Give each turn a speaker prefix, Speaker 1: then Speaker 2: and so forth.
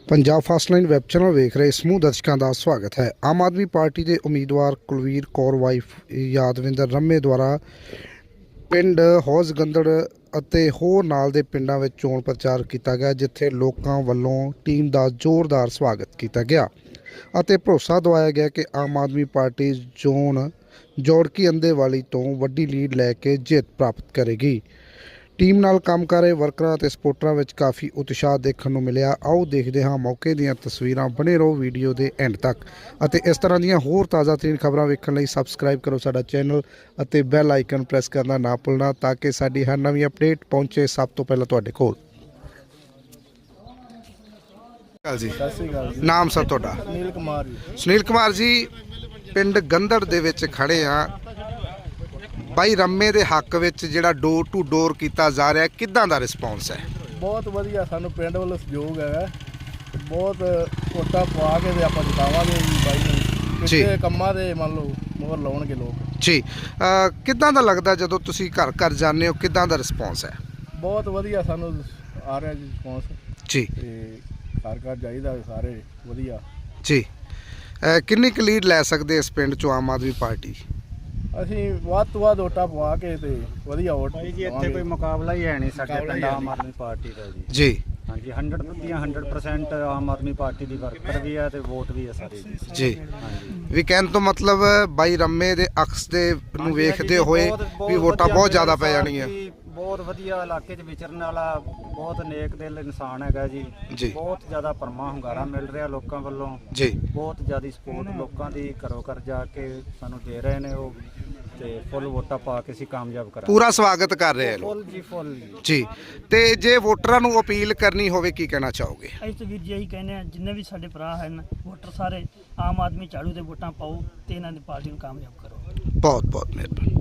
Speaker 1: Punjab first line web channel ਵੇਖ ਰਹੇ ਸਮੂਹ ਦਰਸ਼ਕਾਂ ਦਾ ਸਵਾਗਤ ਹੈ। ਆਮ ਆਦਮੀ ਪਾਰਟੀ ਦੇ ਉਮੀਦਵਾਰ ਕੁਲਵੀਰ ਕੌਰ ਵਾਈਫ ਯਾਦਵਿੰਦਰ ਰੰਮੇ ਦੁਆਰਾ ਪਿੰਡ ਹੌਜ਼ਗੰਦੜ ਅਤੇ ਹੋਰ ਨਾਲ ਦੇ ਪਿੰਡਾਂ ਵਿੱਚ ਚੋਣ ਪ੍ਰਚਾਰ ਕੀਤਾ ਗਿਆ, ਜਿੱਥੇ ਲੋਕਾਂ ਵੱਲੋਂ ਟੀਮ ਦਾ ਜ਼ੋਰਦਾਰ ਸਵਾਗਤ ਕੀਤਾ ਗਿਆ ਅਤੇ ਭਰੋਸਾ ਦਿਵਾਇਆ ਗਿਆ ਕਿ ਆਮ ਆਦਮੀ ਪਾਰਟੀ ਚੋਣ ਜੋੜਕੀ ਅੰਦੇਵਾਲੀ ਤੋਂ ਵੱਡੀ ਲੀਡ ਲੈ ਕੇ ਜਿੱਤ ਪ੍ਰਾਪਤ ਕਰੇਗੀ। ਟੀਮ ਨਾਲ ਕੰਮ ਕਰ ਰਹੇ ਵਰਕਰਾਂ ਅਤੇ ਸਪੋਰਟਰਾਂ ਵਿੱਚ ਕਾਫੀ ਉਤਸ਼ਾਹ ਦੇਖਣ ਨੂੰ ਮਿਲਿਆ। ਆਓ ਦੇਖਦੇ ਹਾਂ ਮੌਕੇ ਦੀਆਂ ਤਸਵੀਰਾਂ। ਬਣੇ ਰਹੋ ਵੀਡੀਓ ਦੇ ਐਂਡ ਤੱਕ ਅਤੇ ਇਸ ਤਰ੍ਹਾਂ ਦੀਆਂ ਹੋਰ ਤਾਜ਼ਾ-ਤਰੀਨ ਖਬਰਾਂ ਵੇਖਣ ਲਈ ਸਬਸਕ੍ਰਾਈਬ ਕਰੋ ਸਾਡਾ ਚੈਨਲ ਅਤੇ ਬੈਲ ਆਈਕਨ ਪ੍ਰੈਸ ਕਰਨਾ ਨਾ ਭੁੱਲਣਾ, ਤਾਂ ਕਿ ਸਾਡੀ ਹਰ ਨਵੀਂ ਅਪਡੇਟ ਪਹੁੰਚੇ ਸਭ ਤੋਂ ਪਹਿਲਾਂ ਤੁਹਾਡੇ ਕੋਲ। ਜੀ
Speaker 2: ਸਤਿ ਸ਼੍ਰੀ ਅਕਾਲ ਜੀ।
Speaker 1: ਨਾਮ ਸਰ ਤੁਹਾਡਾ?
Speaker 2: ਸੁਨੀਲ ਕੁਮਾਰ ਜੀ।
Speaker 1: ਸੁਨੀਲ ਕੁਮਾਰ ਜੀ, ਪਿੰਡ ਗੰਦੜ ਦੇ ਵਿੱਚ ਖੜੇ ਆ। ਬਾਈ ਰੰਮੇ ਦੇ ਹੱਕ ਵਿੱਚ ਜਿਹੜਾ ਡੋਰ ਟੂ ਡੋਰ ਕੀਤਾ ਜਾ ਰਿਹਾ, ਕਿੱਦਾਂ ਦਾ ਰਿਸਪੌਂਸ ਹੈ?
Speaker 2: ਬਹੁਤ ਵਧੀਆ, ਸਾਨੂੰ ਪਿੰਡ ਵੱਲੋਂ ਸਹਿਯੋਗ ਹੈਗਾ। ਬਹੁਤ ਵੋਟਾਂ ਪਵਾ ਕੇ ਤੇ ਆਪਾਂ ਜਿਤਾਵਾਂਗੇ ਜੀ ਬਾਈ ਨੂੰ। ਕਿਸੇ ਕੰਮਾਂ ਦੇ ਮੰਨ ਲਓ ਮੋਹਰ ਲਾਉਣਗੇ ਲੋਕ
Speaker 1: ਜੀ। ਕਿੱਦਾਂ ਦਾ ਲੱਗਦਾ ਜਦੋਂ ਤੁਸੀਂ ਘਰ ਘਰ ਜਾਂਦੇ ਹੋ, ਕਿੱਦਾਂ ਦਾ ਰਿਸਪੌਂਸ ਹੈ?
Speaker 2: ਬਹੁਤ ਵਧੀਆ ਸਾਨੂੰ ਆ ਰਿਹਾ ਜੀ ਰਿਸਪੌਂਸ
Speaker 1: ਜੀ।
Speaker 2: ਤੇ ਘਰ ਘਰ ਜਾਈਦਾ ਸਾਰੇ ਵਧੀਆ
Speaker 1: ਜੀ। ਕਿੰਨੀ ਕੁ ਲੀਡ ਲੈ ਸਕਦੇ ਇਸ ਪਿੰਡ 'ਚੋਂ ਆਮ ਆਦਮੀ ਪਾਰਟੀ?
Speaker 2: ਅਸੀਂ ਵੱਧ ਤੋਂ ਵੱਧ ਵੋਟਾਂ ਪਵਾ ਕੇ ਤੇ ਵਧੀਆ ਵੋਟ
Speaker 3: ਜੀ। ਇੱਥੇ ਕੋਈ ਮੁਕਾਬਲਾ ਹੀ ਹੈ ਨਹੀਂ ਸਾਡੇ ਪਿੰਡ ਆਮ ਆਦਮੀ ਪਾਰਟੀ ਦਾ ਜੀ।
Speaker 1: ਜੀ
Speaker 3: ਹਾਂਜੀ, 100% ਆਮ ਆਦਮੀ ਪਾਰਟੀ ਦੀ ਵਰਕਰ ਵੀ ਹੈ ਤੇ ਵੋਟ ਵੀ ਹੈ ਸਾਰੀ
Speaker 1: ਜੀ।
Speaker 3: ਹਾਂਜੀ,
Speaker 1: ਵੀ ਕਹਿਣ ਤੋਂ ਮਤਲਬ ਬਾਈ ਰੰਮੇ ਦੇ ਅਕਸ ਦੇ ਨੂੰ ਵੇਖਦੇ ਹੋਏ ਵੀ ਵੋਟਾਂ ਬਹੁਤ ਜ਼ਿਆਦਾ ਪੈ ਜਾਣਗੀਆਂ।
Speaker 3: ਬਹੁਤ ਵਧੀਆ ਇਲਾਕੇ 'ਚ ਵਿਚਰਨ ਵਾਲਾ ਬਹੁਤ ਨੇਕ ਦਿਲ ਇਨਸਾਨ ਹੈਗਾ ਜੀ। ਬਹੁਤ ਜ਼ਿਆਦਾ ਪਰਮਾ ਹੁੰਗਾਰਾ ਮਿਲ ਰਿਹਾ ਲੋਕਾਂ ਵੱਲੋਂ ਜੀ। ਬਹੁਤ ਜ਼ਿਆਦਾ ਸਪੋਰਟ ਲੋਕਾਂ ਦੀ ਘਰੋਂ ਘਰ ਜਾ ਕੇ ਸਾਨੂੰ ਦੇ ਰਹੇ ਨੇ ਉਹ, ਤੇ ਫੁੱਲ ਵੋਟਾਂ ਪਾ ਕੇ ਅਸੀਂ ਕਾਮਯਾਬ ਕਰਾਂਗੇ।
Speaker 1: ਪੂਰਾ ਸਵਾਗਤ ਕਰ ਰਹੇ ਆ
Speaker 3: ਫੁੱਲ ਜੀ, ਫੁੱਲ
Speaker 1: ਜੀ। ਤੇ ਜੇ ਵੋਟਰਾਂ ਨੂੰ ਅਪੀਲ ਕਰਨੀ ਹੋਵੇ, ਕੀ ਕਹਿਣਾ ਚਾਹੋਗੇ?
Speaker 4: ਅਸੀਂ ਤਾਂ ਵੀਰ ਜੀ ਇਹੀ ਕਹਿੰਦੇ ਆ, ਜਿੰਨੇ ਵੀ ਸਾਡੇ ਭਰਾ ਹਨ ਵੋਟਰ ਸਾਰੇ ਆਮ ਆਦਮੀ ਝਾੜੂ ਦੇ ਵੋਟਾਂ ਪਾਓ ਤੇ ਇਹਨਾਂ ਦੀ ਪਾਰਟੀ ਨੂੰ ਕਾਮਯਾਬ ਕਰੋ।
Speaker 1: ਬਹੁਤ ਬਹੁਤ ਮਿਹਰਬਾਨੀ।